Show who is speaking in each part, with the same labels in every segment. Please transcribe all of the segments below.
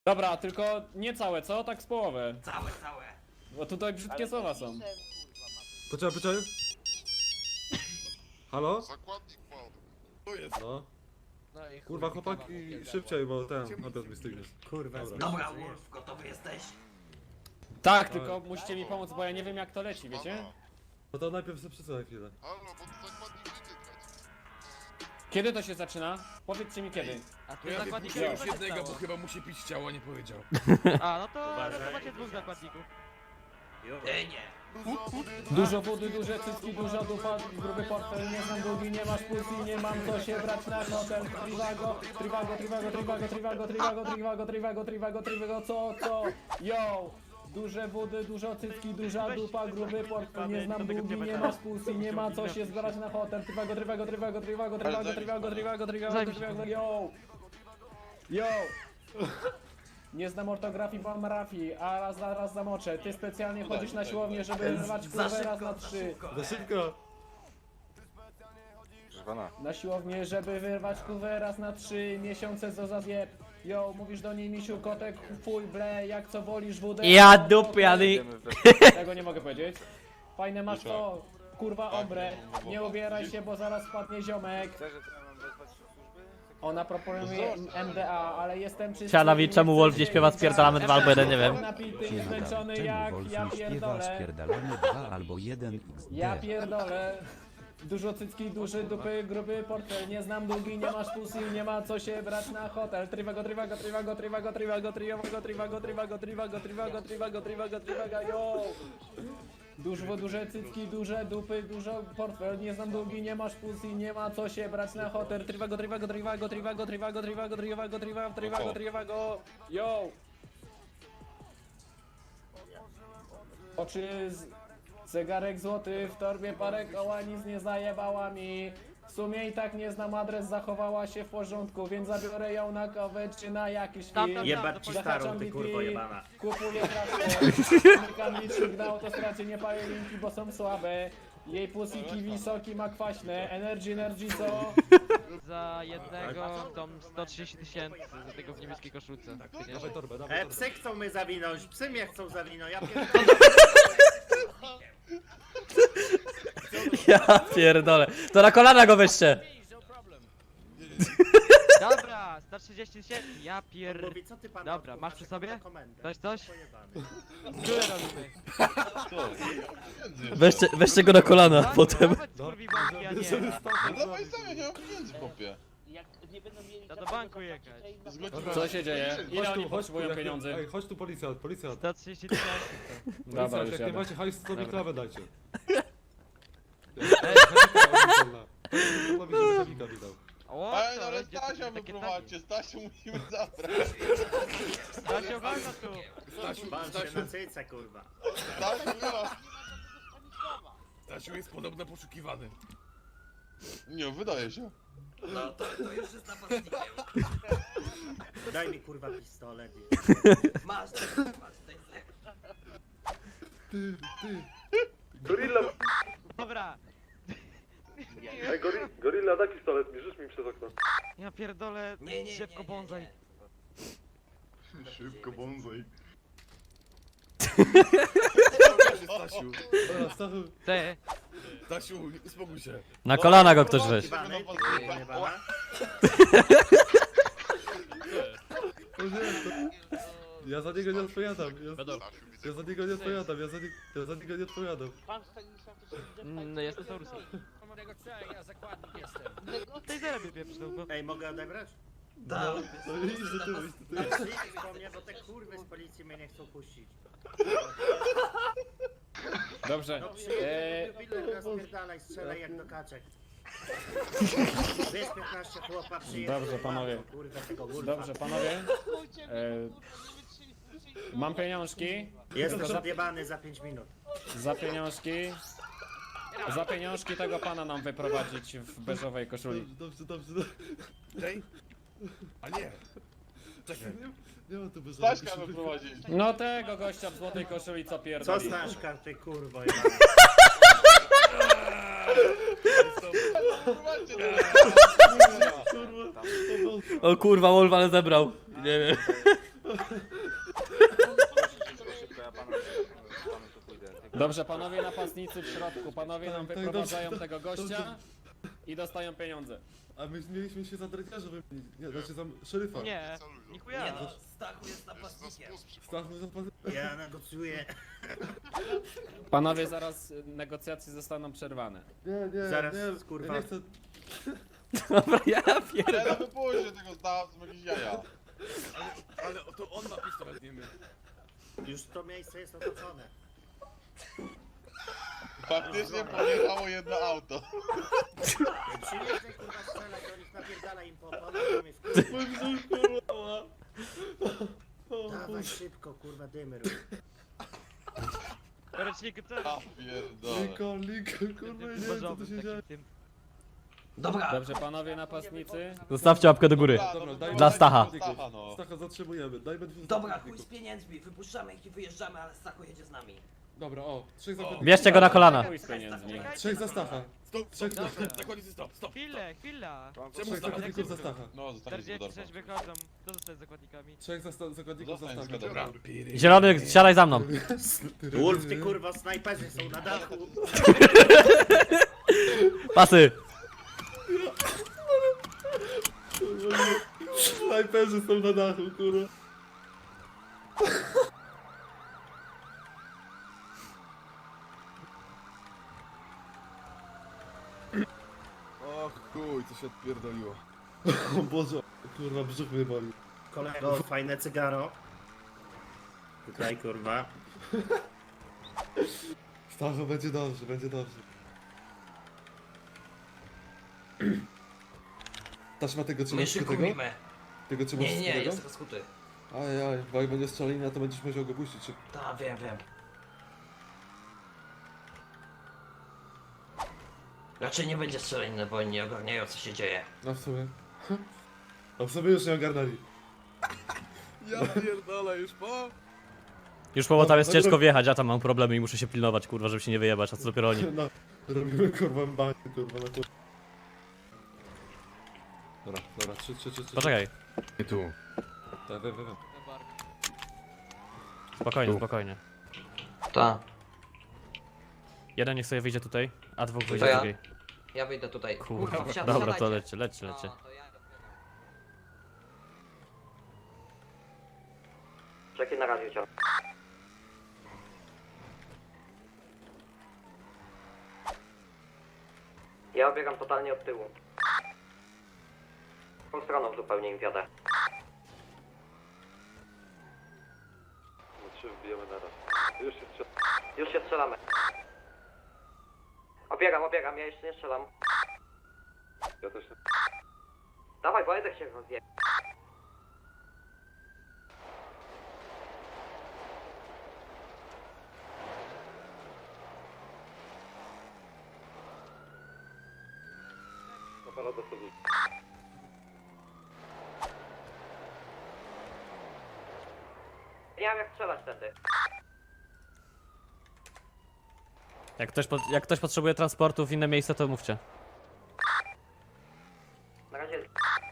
Speaker 1: Dobra, tylko nie całe, co? Tak z połowę.
Speaker 2: Całe.
Speaker 1: Bo tutaj brzydkie słowa są.
Speaker 3: Poczekaj. Halo?
Speaker 4: Zakładnik mam.
Speaker 5: Tu jest.
Speaker 3: No.
Speaker 5: No i
Speaker 3: Kurwa chłopaki, szybciej, bo ten, obiad mi stygnie.
Speaker 2: Kurwa,
Speaker 3: Dobra.
Speaker 2: dobra, Wolf, gotowy jesteś?
Speaker 1: Tak, tylko musicie mi pomóc, bo ja nie wiem jak to leci, wiecie?
Speaker 4: Mama.
Speaker 3: No to najpierw sobie przesuwaj chwilę.
Speaker 4: Halo, bo tu zakładnik idzie grać.
Speaker 1: Kiedy to się zaczyna? Powiedzcie mi kiedy.
Speaker 6: A
Speaker 5: No
Speaker 6: tu
Speaker 5: ja
Speaker 6: zakładnik
Speaker 5: tylko już
Speaker 6: co się
Speaker 5: jednego, bo
Speaker 6: stało?
Speaker 5: chyba musi pić ciało, nie powiedział.
Speaker 6: A, no to macie dwóch zakładników.
Speaker 2: Nie.
Speaker 1: Dużo wody, duże cycki, duża dupa, gruby portfel, nie znam długi, nie masz pulsu i nie mam co się brać na hotel. Trivago, co? Yo! Duże wody, dużo cycki, duża dupa, gruby portfel, nie znam długi, nie masz pulsu i nie ma co się zbrać na hotel. Trivago, yo! Nie znam ortografii, bo mam rafii, a raz zamoczę. Ty specjalnie chodzisz na siłownię, żeby rwać kurwę raz na 3.
Speaker 3: Za szybko!
Speaker 1: Na siłownię, żeby wyrwać kurwę raz na 3 miesiące, co za zjeb. Yo, mówisz do niej misiu, kotek, fuj, ble, jak co wolisz wódę.
Speaker 7: Ja dupiany.
Speaker 1: Tego nie mogę powiedzieć. Fajne masz to, kurwa obre. Nie ubieraj się, bo zaraz spadnie ziomek. Ona proponuje MDA, ale jestem czysty.
Speaker 7: Sianowi, czemu Wolf nie śpiewa Spierdalamy 2 albo 1, nie wiem.
Speaker 1: Napity i zmęczony jak ja pierdolę.
Speaker 8: Spierdalamy 2 albo 1 XD.
Speaker 1: Ja pierdolę. Dużo cycki, duży dupy, gruby portfel, nie znam długi, nie masz pusy, nie ma co się brać na hotel. Trivago, yo! Duże cycki, duże dupy, dużo portfel, nie znam długi, nie masz pusy, nie ma co się brać na hotel. Trivago, yo! Oczy zegarek złoty, w torbie parę koła, nic nie zajebała mi. W sumie i tak nie znam adres, zachowała się w porządku, więc zabiorę ją na kawę czy na jakiś film.
Speaker 2: Jebać ci starą, ty kurwo jebana.
Speaker 1: Kupuję pracę, zamykam licznik na autostradzie, nie palę linki, bo są słabe. Jej pusiki wysoki ma kwaśne, energy co?
Speaker 6: Za jednego dom 130 000 za tego w niebieskiej koszulce.
Speaker 3: Dawaj torbę, dawaj torbę.
Speaker 2: Psy chcą mnie zawinąć, psy mnie chcą zawinąć, ja
Speaker 7: Ja pierdolę. To na kolana go weźcie.
Speaker 6: Dobra, 130 000, ja
Speaker 2: Mówi, co ty pan
Speaker 6: Dobra,
Speaker 2: odkurzasz,
Speaker 6: masz przy sobie?
Speaker 2: na komendę?
Speaker 6: Dać coś?
Speaker 2: Pojebany.
Speaker 6: Tyle robimy.
Speaker 7: Weźcie go na kolana potem.
Speaker 6: Kurwi banki, a nie.
Speaker 4: Dawaj sam, ja nie mam pieniędzy, chłopie.
Speaker 6: To do banku jechać.
Speaker 1: Co się dzieje? Ile oni potrzebują
Speaker 3: jak-
Speaker 1: pieniędzy?
Speaker 3: Ej, chodź tu policjant.
Speaker 6: 130 000.
Speaker 1: Dobra,
Speaker 3: Policjant,
Speaker 1: już
Speaker 3: jak nie
Speaker 1: jadę.
Speaker 3: macie hajsu, to mi
Speaker 1: Dobra.
Speaker 3: klawę dajcie. Ej, żeby Hewika widał.
Speaker 6: O,
Speaker 4: Ej,
Speaker 6: to
Speaker 4: ale
Speaker 6: będzie
Speaker 4: Stasia
Speaker 6: takie
Speaker 4: wyprowadźcie, Stasiu musimy zabrać.
Speaker 6: Stasia, walka tu.
Speaker 2: Ban się na cyce, kurwa.
Speaker 4: Stasiu, wyraz.
Speaker 5: Stasiu jest podobno poszukiwany.
Speaker 4: Nie, wydaje się.
Speaker 2: No to już jest napastnikiem. Daj mi kurwa pistolet. Masz,
Speaker 3: Gorilla,
Speaker 6: Dobra.
Speaker 3: ej, gorilla, daj pistolet, bierzesz mi przez okno.
Speaker 6: Ja pierdolę, szybko bonsai.
Speaker 4: Szybko, bonsai.
Speaker 5: Stasiu,
Speaker 3: Dobra, Stachu,
Speaker 6: Ty.
Speaker 5: Stasiu, uspokój się.
Speaker 7: Na kolana go ktoś weź.
Speaker 2: Jebany, ty kurwa jebana.
Speaker 3: ja za niego nie odpowiadam.
Speaker 4: Stasiu, widzę.
Speaker 3: Ja za niego nie odpowiadam, ja za niego nie odpowiadam.
Speaker 6: No jestem Taurusem. Tej zarabie pieprzył, bo...
Speaker 2: Ej, mogę odebrać?
Speaker 3: No, idź do tyłu, idź do tyłu.
Speaker 2: Przyjdź po mnie, bo te kurwy z policji mnie nie chcą puścić.
Speaker 1: Dobrze.
Speaker 2: No przyjedzie, rozpierdalaj, strzelaj jak do kaczek. Wiesz 15 chłopa przyjedzie.
Speaker 1: Dobrze, panowie.
Speaker 2: Kurwa tego gulfa.
Speaker 1: Dobrze, panowie. Mam pieniążki.
Speaker 2: Jesteś odjebany za 5 minut.
Speaker 1: Za pieniążki tego pana nam wyprowadzić w beżowej koszuli.
Speaker 3: Dobrze.
Speaker 5: Ej? A nie. Czekaj.
Speaker 3: Nie ma tu bez
Speaker 4: Staśka wyprowadzić.
Speaker 1: No tego gościa w złotej koszuli co
Speaker 2: Co
Speaker 1: pierdoli.
Speaker 2: Staszka, ty kurwo jebana.
Speaker 4: Wyprowadźcie to.
Speaker 7: O kurwa, Wolf ale zebrał. Nie wiem.
Speaker 1: Dobrze, panowie napastnicy w środku, panowie nam wyprowadzają tego gościa i dostają pieniądze.
Speaker 9: A my mieliśmy się za dredziarza wymienić, nie, znaczy za szeryfa.
Speaker 6: Nie, nichuja.
Speaker 10: Stachu jest napastnikiem.
Speaker 9: Stachu zapasy.
Speaker 2: Ja negocjuję.
Speaker 1: Panowie, zaraz negocjacje zostaną przerwane.
Speaker 9: Nie,
Speaker 2: Zaraz,
Speaker 9: nie,
Speaker 2: kurwa.
Speaker 9: ja nie chcę.
Speaker 7: Dobra, ja
Speaker 4: Nie,
Speaker 7: pierdolę.
Speaker 4: no wypuśćcie tego z jakieś jaja.
Speaker 5: Ale to on ma pistolet, nie my.
Speaker 2: Już to miejsce jest otoczone.
Speaker 4: Faktycznie pojechało jedno auto.
Speaker 2: Przyjeżdżaj kurwa strzelaj do nich, napierdala im po oponach, to mnie Dawaj szybko, kurwa, dymy rób.
Speaker 6: Ręcznik, co?
Speaker 4: A pierdolę.
Speaker 9: Lincoln, kurwa, nie wiem co tu się dzieje.
Speaker 10: Dobra,
Speaker 1: Dobrze, panowie napastnicy.
Speaker 7: Zostawcie łapkę do góry.
Speaker 9: Dobra, daj
Speaker 7: Dla Stacha.
Speaker 4: Stacha, no.
Speaker 9: Stacha zatrzymujemy, dajmy dwóch
Speaker 10: dobra, chuj
Speaker 9: zakładników.
Speaker 10: z pieniędzmi, wypuszczamy ich i wyjeżdżamy, ale Stachu jedzie z nami.
Speaker 9: Dobra, o, 3 zakładników.
Speaker 7: Bierzcie go na kolana.
Speaker 1: Chuj z pieniędzmi.
Speaker 9: 3 za Stacha.
Speaker 5: Stop, stop, stop, zakładnicy, stop, stop.
Speaker 6: Chwila.
Speaker 5: Czemu
Speaker 9: 3
Speaker 5: Stacha?
Speaker 9: zakładników za Stacha.
Speaker 4: No, zostanie z
Speaker 6: 46 wychodzą. Kto zostaje z zakładnikami?
Speaker 9: 3 zakładników za
Speaker 4: Zostań z
Speaker 9: Stacha.
Speaker 4: Dobra.
Speaker 7: Zielony, siadaj za mną.
Speaker 2: Wolf, ty kurwa, snajperzy są na dachu.
Speaker 7: Pasy.
Speaker 9: Snajperzy są na dachu, kurwa.
Speaker 5: O chuj, co się odpierdoliło.
Speaker 9: O Boże, kurwa, brzuch mnie boli.
Speaker 2: Kolego, fajne cygaro. Tutaj, kurwa.
Speaker 9: Stachu, będzie dobrze, będzie dobrze. Taśma tego
Speaker 10: My
Speaker 9: trzymasz tego?
Speaker 10: szykujmy.
Speaker 9: Tego trzymasz
Speaker 10: Nie, nie,
Speaker 9: tego?
Speaker 10: jest rozkuty.
Speaker 9: Ajaj, bo jak będzie strzelina, to będziesz musiał go puścić. Czy...
Speaker 10: Tak, wiem, wiem. Raczej nie będzie strzelaniny, bo oni nie ogarniają co się dzieje.
Speaker 9: No w sumie. A w sumie już nie ogarnęli.
Speaker 5: Ja pierdolę, już po?
Speaker 7: Już po, bo tam jest ciężko wjechać, ja tam mam problemy i muszę się pilnować, kurwa, żeby się nie wyjebać, a co dopiero oni.
Speaker 9: No, robimy kurwa banie, kurwa, na kurwa. Dobra, dobra, 3.
Speaker 7: Poczekaj,
Speaker 5: Nie tu.
Speaker 9: Tak, wiem.
Speaker 7: spokojnie, spokojnie.
Speaker 10: Tak,
Speaker 7: Jeden niech sobie wyjdzie tutaj, a dwóch wyjdzie
Speaker 10: ja?
Speaker 7: drugiej.
Speaker 10: ja wyjdę tutaj.
Speaker 7: Kurwa,
Speaker 10: wsiadajcie.
Speaker 7: dobra, to lecie.
Speaker 10: No, to ja... Czekaj na razie cię. Ja obiegam totalnie od tyłu. Tą stroną zupełnie im wiadę.
Speaker 3: No 3 wbijemy naraz. Już się strzela.
Speaker 10: Już się strzelamy. Obiegam, ja jeszcze nie strzelam.
Speaker 3: Ja też nie.
Speaker 10: Dawaj, bo Edek się rozje.
Speaker 3: Aparat sobie.
Speaker 10: Nie wiem jak strzelać wtedy.
Speaker 7: Jak ktoś potrzebuje transportu w inne miejsce, to mówcie.
Speaker 10: Na razie...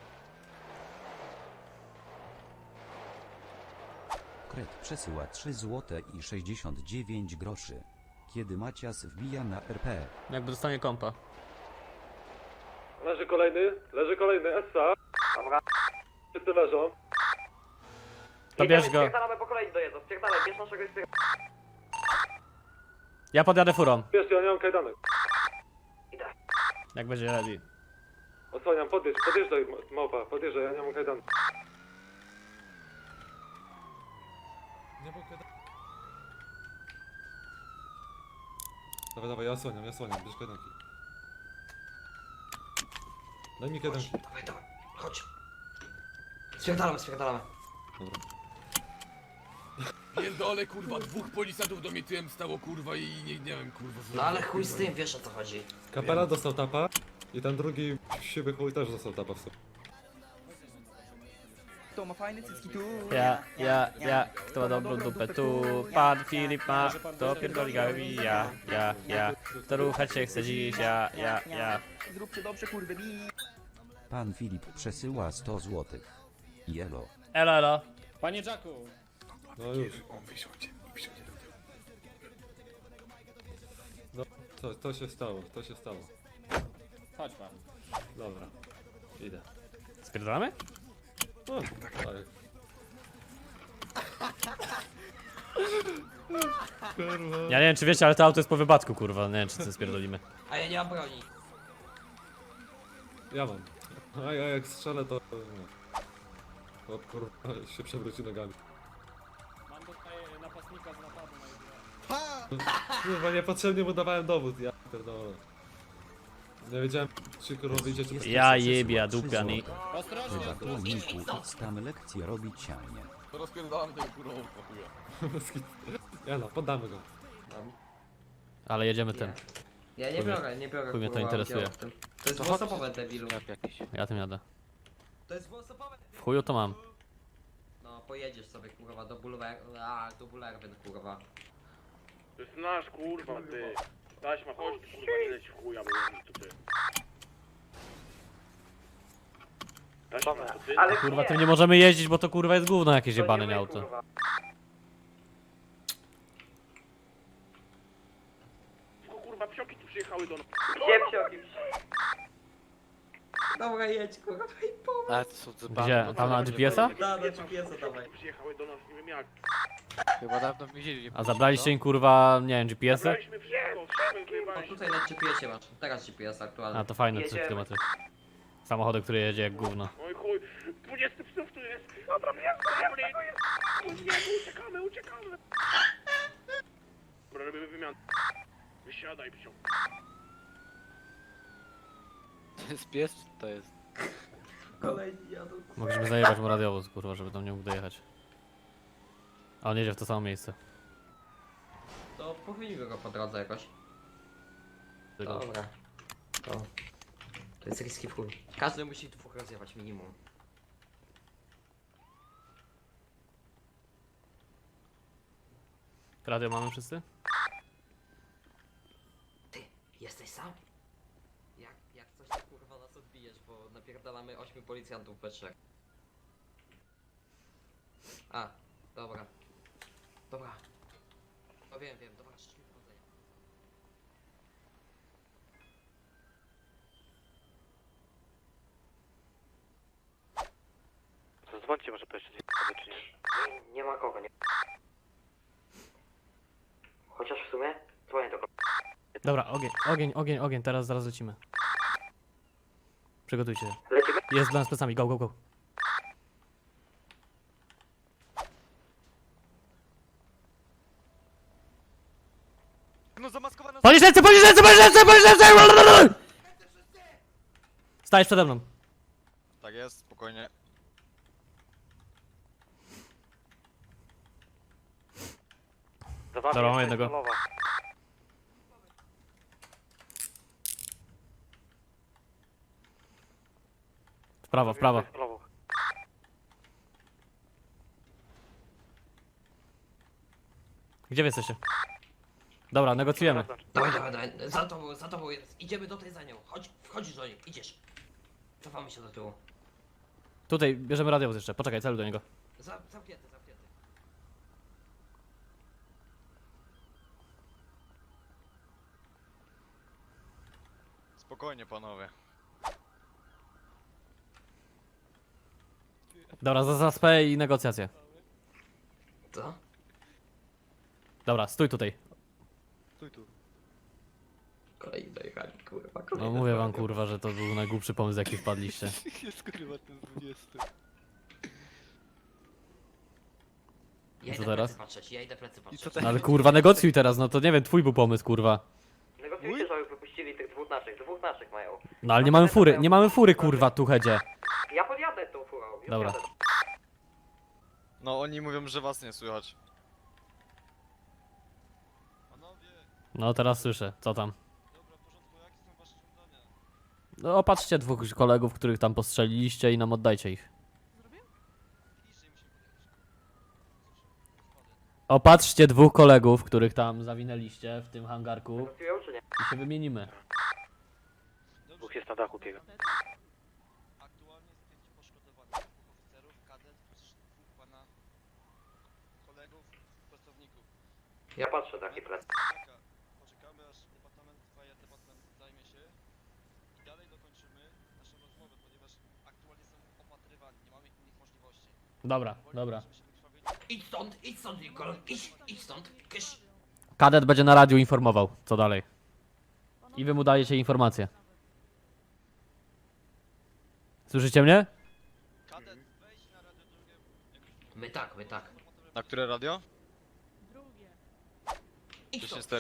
Speaker 8: Kret przesyła 3 zł i 69 groszy. Kiedy Macias wbija na RP.
Speaker 7: Jakby dostanie kompa.
Speaker 3: Leży kolejny, Essa.
Speaker 10: Dobra.
Speaker 3: Wszyscy leżą.
Speaker 7: To bierz go.
Speaker 10: Spierdalamy po kolei dojeżdżą, spierdalaj, bierz naszego i spierdalaj.
Speaker 7: Ja podjadę furą,
Speaker 3: Wiesz, ja nie mam kajdanek.
Speaker 10: Idę.
Speaker 7: jak będzie ready.
Speaker 3: Osłaniam, podjeżdżaj, małpa, podjeżdżaj, ja nie mam kajdanek.
Speaker 9: Nie mogę. Dawaj, ja osłaniam, bierz kajdanki. Daj mi kajdanki.
Speaker 10: Dawaj, chodź. Spierdalamy.
Speaker 9: Dobra.
Speaker 5: Pierdolę, kurwa, dwóch policjantów do mnie tyłem stało, kurwa, i nie wiem, kurwa. co
Speaker 10: No ale chuj z tym, wiesz o co chodzi.
Speaker 9: Kapela dostał tapa i ten drugi siwy chuj też dostał tapa w sobie.
Speaker 11: Kto ma fajne cycki tu?
Speaker 7: Ja, kto ma dobrą dupę tu, pan Filip ma, to pierdoli gawi, ja, kto ruchać się chce dziś, ja.
Speaker 11: Zróbcie dobrze, kurwy, bi.
Speaker 8: Pan Filip przesyła 100 zł. Jelo.
Speaker 7: Elo.
Speaker 1: Panie Jacku!
Speaker 9: No już. No, to się stało, to się stało.
Speaker 1: Chodź pan.
Speaker 9: Dobra, idę.
Speaker 7: Spierdolamy?
Speaker 9: No, tak. Kurwa.
Speaker 7: Ja nie wiem czy wiecie, ale to auto jest po wypadku, kurwa. Nie wiem czy coś spierdolimy.
Speaker 10: A ja nie mam broni.
Speaker 9: Ja mam. A ja jak strzelę to... nie. O kurwa, się przewróci nogami.
Speaker 1: Mam tutaj napastnika z napadu na jedno.
Speaker 9: Kurwa, niepotrzebnie mu dawałem dowód, ja pierdolę. Nie wiedziałem, czy kurwa wyjdziecie...
Speaker 7: Ja jebia, dupiany.
Speaker 1: Ostrożnie,
Speaker 8: Chyba
Speaker 1: ostrożnie.
Speaker 8: tłumniku idź tam lekcję robić cialnie.
Speaker 4: Rozpierdalamy tego kurwa chuja.
Speaker 9: Ja no, poddamy go.
Speaker 7: Ale jedziemy tym.
Speaker 10: Ja
Speaker 7: Chuj mnie-
Speaker 10: nie biorę
Speaker 7: chuj mnie to
Speaker 10: kurwa,
Speaker 7: interesuje.
Speaker 10: udziału w tym. To jest dwuosobowe, debilu.
Speaker 7: Ja tym jadę.
Speaker 10: To jest dwuosobowe.
Speaker 7: W chuju to mam.
Speaker 10: No pojedziesz sobie kurwa do Bulwerby kurwa.
Speaker 3: To jest nasz kurwa, ty. Taśma, chodź, ty, kurwa, nie leć w chuja, bo ja tu ty. Taśma, to ty?
Speaker 7: Kurwa, tym nie możemy jeździć, bo to kurwa jest gówno jakieś jebane nie auto.
Speaker 3: Tylko kurwa, psioki tu przyjechały do nas.
Speaker 10: Dobra jedź kurwa i po.
Speaker 5: Ale to są
Speaker 7: Gdzie? Tam na GPS-a?
Speaker 10: Da, do GPS-a dawaj.
Speaker 3: Przyjechały do nas, nie wiem jak.
Speaker 5: Chyba dawno w więzieniu nie
Speaker 7: A zabraliście im kurwa, nie wiem, GPS-y?
Speaker 3: Zabraliśmy wszystko, wszystko
Speaker 10: O,
Speaker 3: wyjebaliśmy.
Speaker 10: tutaj na GPS-ie masz. Teraz GPS aktualny.
Speaker 7: A to fajne 3 km. Samochody, które jedzie jak gówno.
Speaker 3: Oj chuj, 20 psów tu jest. Dobra, nie, uciekamy, uciekamy. Dobra, robimy wymianę. Wysiadaj, psiu.
Speaker 5: To jest pies, czy to jest?
Speaker 10: Kolejni jadą.
Speaker 7: Mogliśmy zajebać mu radiowóz, kurwa, żeby tam nie mógł dojechać. A on jedzie w to samo miejsce.
Speaker 10: To pochwilimy go po drodze jakoś.
Speaker 7: Tylko-
Speaker 10: Dobra. To jest riski w chuj. Każdy musi dwóch rozjechać minimum.
Speaker 7: Radio mamy wszyscy?
Speaker 10: Ty, jesteś sam? Jak coś to kurwa nas odbijesz, bo napierdalamy 8 policjantów we 3. A, dobra. Dobra. No wiem, dobra, szczęśliwe powodzenia.
Speaker 3: Zadzwońcie może po jeszcze czy nie.
Speaker 10: Nie ma kogo, nie. Chociaż w sumie, dzwonię do kogo.
Speaker 7: Dobra, ogień, teraz zaraz lecimy. Przygotujcie się.
Speaker 10: Lecimy?
Speaker 7: Jest dla nas plecami, go, go, go.
Speaker 5: No zamaskowano.
Speaker 7: Podnieś ręce, podnieś ręce, podnieś ręce, podnieś ręce! Stajesz przede mną.
Speaker 4: Tak jest, spokojnie.
Speaker 7: Dobra, mam jednego. W prawo, w prawo. Gdzie wy jesteście? Dobra, negocjujemy.
Speaker 10: Dawaj, za tobą jest. Idziemy do tej za nią. Chodź, wchodzisz do niej, idziesz. Cofamy się do tyłu.
Speaker 7: Tutaj bierzemy radiowóz jeszcze, poczekaj, celuj do niego.
Speaker 10: Zamknięty.
Speaker 4: Spokojnie panowie.
Speaker 7: Dobra, za spę i negocjacje.
Speaker 10: Co?
Speaker 7: Dobra, stój tutaj.
Speaker 10: Kolejni dojechali, kurwa,
Speaker 7: No mówię wam kurwa, że to był najgłupszy pomysł jaki wpadliście.
Speaker 5: Jest kurwa ten 20.
Speaker 10: Ja
Speaker 7: Co
Speaker 10: idę
Speaker 7: teraz?
Speaker 10: plecy patrzeć, ja idę plecy
Speaker 5: I
Speaker 10: patrzeć.
Speaker 5: co teraz?
Speaker 7: No ale kurwa negocjuj teraz, no to nie wiem, twój był pomysł kurwa.
Speaker 10: Negocjujcie, żeby wypuścili tych dwóch naszych mają.
Speaker 7: No ale nie mamy fury kurwa tu hedzie.
Speaker 10: Ja podjadę tą furą, już
Speaker 7: Dobra.
Speaker 10: jadę.
Speaker 4: No oni mówią, że was nie słychać.
Speaker 7: No teraz słyszę, co tam? No opatrzcie dwóch kolegów, których tam postrzeliliście i nam oddajcie ich. Opatrzcie dwóch kolegów, których tam zawinęliście w tym hangarku
Speaker 10: Negocjują czy nie?
Speaker 7: i się wymienimy.
Speaker 3: Dwóch jest na dachu biega.
Speaker 5: Aktualnie jest 5 poszkodowanych, 2 oficerów, kadet, 2 pana pracowników.
Speaker 10: Ja patrzę taki plec.
Speaker 5: Poczekamy aż departament zajmie się i dalej dokończymy naszą rozmowę, ponieważ aktualnie są opatrywani, nie mamy innych możliwości.
Speaker 1: Dobra, dobra.
Speaker 10: Idź stąd, Lincoln, idź stąd, kysz.
Speaker 7: Kadet będzie na radiu informował, co dalej. I wy mu dajecie informacje. Słyszycie mnie?
Speaker 5: Kadet, wejdź na radio drugie.
Speaker 10: My tak.
Speaker 4: Na które radio?
Speaker 10: Idź stąd,
Speaker 4: 10-4.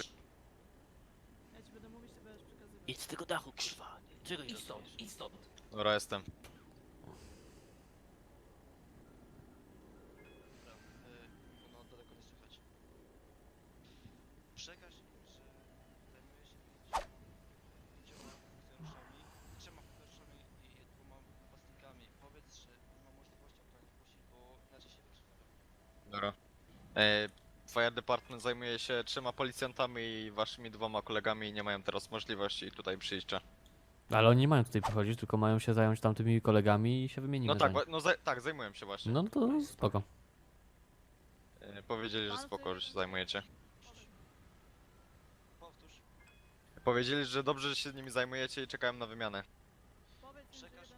Speaker 6: Idź z tego dachu, kurwa. Czego nie
Speaker 10: idź stąd.
Speaker 4: Dobra, jestem.
Speaker 5: Ono daleko nie słychać. Przekaż im, że zajmuję się 5 funkcjonariuszami, 3 funkcjonariuszami i 2 napastnikami. Powiedz, że nie ma możliwości ochrony pusi, bo inaczej się wykrzywiają.
Speaker 4: Dobra. Fire Department zajmuje się 3 policjantami i waszymi 2 kolegami i nie mają teraz możliwości tutaj przyjścia.
Speaker 7: Ale oni nie mają tutaj przychodzić, tylko mają się zająć tamtymi kolegami i się wymienimy.
Speaker 4: No tak,
Speaker 7: za nich.
Speaker 4: tak, zajmują się właśnie.
Speaker 7: No to spoko.
Speaker 4: Powiedzieli, że spoko, że się zajmujecie.
Speaker 5: Powtórz.
Speaker 4: Powiedzieli, że dobrze, że się nimi zajmujecie i czekają na wymianę.
Speaker 5: Przekaż.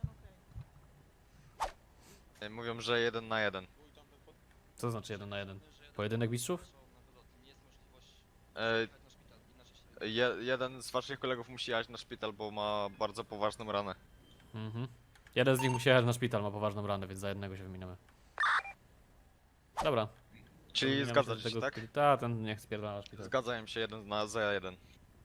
Speaker 4: Mówią, że 1 na 1.
Speaker 7: Co znaczy 1 na 1? Pojedynek mistrzów?
Speaker 5: Są na wylot. Nie jest możliwość
Speaker 4: E,
Speaker 5: jechać na szpital, inaczej się
Speaker 4: Jeden z waszych kolegów musi jechać na szpital, bo ma bardzo poważną ranę.
Speaker 7: Mhm. Jeden z nich musi jechać na szpital, ma poważną ranę, więc za jednego się wymieniamy. Dobra.
Speaker 4: Czyli
Speaker 7: Wymieniamy
Speaker 4: zgadzacie
Speaker 7: do
Speaker 4: się,
Speaker 7: tego-
Speaker 4: tak?
Speaker 7: Ta, ten niech spierdala na szpital.
Speaker 4: Zgadzają się 1 za 1.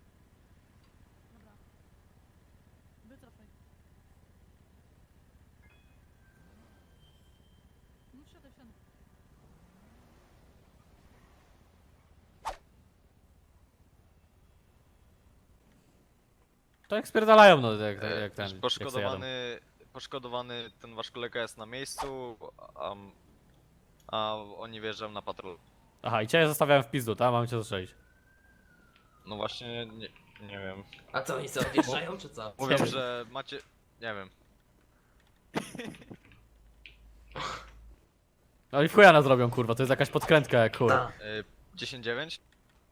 Speaker 7: To jak spierdalają, no jak ten. jak se jadą.
Speaker 4: Poszkodowany ten wasz kolega jest na miejscu, a oni wjeżdżają na patrol.
Speaker 7: Aha, i cię zostawiałem w pizdu, tak? Mam cię zastrzelić.
Speaker 4: No właśnie, nie wiem.
Speaker 10: A co, oni sobie odjeżdżają, czy co?
Speaker 4: Mówią, że macie... nie wiem.
Speaker 7: No i w chuja nas robią, kurwa, to jest jakaś podkrętka jak chuj.
Speaker 10: Ta.
Speaker 4: 10-9?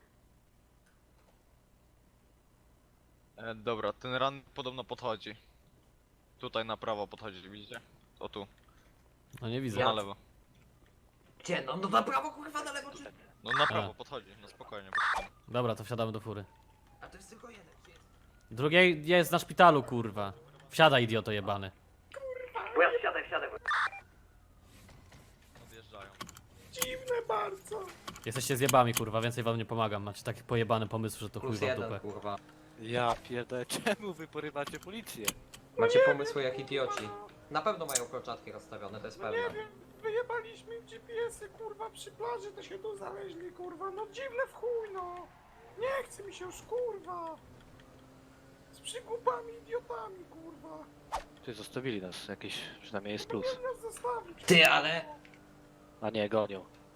Speaker 4: Dobra, ten ran podobno podchodzi. Tutaj na prawo podchodzi, widzicie? O tu,
Speaker 7: No nie
Speaker 4: tu
Speaker 7: widzę.
Speaker 4: na lewo.
Speaker 10: Gdzie? No na prawo, kurwa, na lewo, czy...
Speaker 4: No na prawo podchodzi, no spokojnie, poczekamy.
Speaker 7: Dobra, to wsiadamy do fury.
Speaker 10: A to jest tylko jeden, gdzie jest?
Speaker 7: Drugiej jest na szpitalu, kurwa. Wsiadaj, idioto jebany.
Speaker 10: Bo ja wsiadaj.
Speaker 4: Odjeżdżają.
Speaker 7: Jesteście zjebami, kurwa, więcej wam nie pomagam. Macie taki pojebany pomysł, że to chuj
Speaker 10: Plus
Speaker 7: wam w
Speaker 10: jeden,
Speaker 7: dupę.
Speaker 10: kurwa.
Speaker 6: Ja pierdolę, czemu wy porywacie policję?
Speaker 10: Macie pomysły jak idioci. Na pewno mają kolczatki rozstawione, to jest pewne.
Speaker 2: Wyjebaliśmy GPS-y, kurwa, przy plaży, to się tu znaleźli, kurwa, no dziwne w chuj, no. Nie chce mi się już, kurwa. Z przygłupami, idiotami, kurwa.
Speaker 6: Ty zostawili nas, jakieś przynajmniej jest plus.
Speaker 2: Nas zostawić.
Speaker 10: Ty, ale...
Speaker 6: A nie, gonią.